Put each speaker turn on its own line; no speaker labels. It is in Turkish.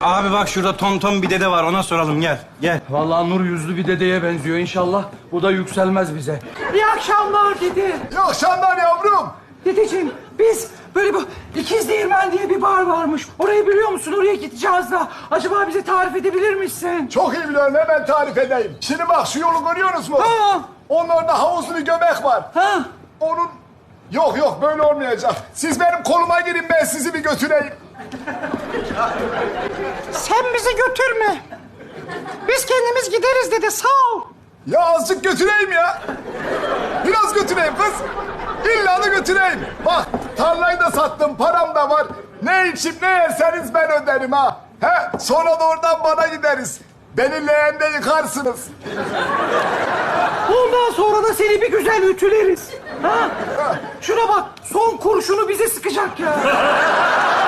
Abi bak şurada tonton bir dede var, ona soralım, gel. Gel.
Vallahi nur yüzlü bir dedeye benziyor inşallah. Bu da yükselmez bize.
İyi akşamlar dede.
İyi akşamlar yavrum.
Dedeciğim biz böyle bu İkiz Değirmen diye bir bar varmış. Orayı biliyor musun? Oraya gideceğiz da. Acaba bize tarif edebilir misin?
Çok iyi biliyorum, hemen tarif edeyim. Şimdi bak, şu yolu görüyorsunuz mu?
Ha.
Onun orada havuzlu bir göbek var.
Ha?
Onun... Yok, böyle olmayacak. Siz benim koluma girin, ben sizi bir götüreyim.
Sen bizi götürme. Biz kendimiz gideriz dede, sağ ol.
Ya azıcık götüreyim ya. Biraz götüreyim kız. İlla da götüreyim. Bak, tarlayı da sattım, param da var. Ne içip ne yerseniz ben öderim ha. He, sonra da oradan bana gideriz. Beni leğende yıkarsınız.
Ondan sonra da seni bir güzel ütüleriz. Ha? Şuna bak, son kurşunu bize sıkacak ya.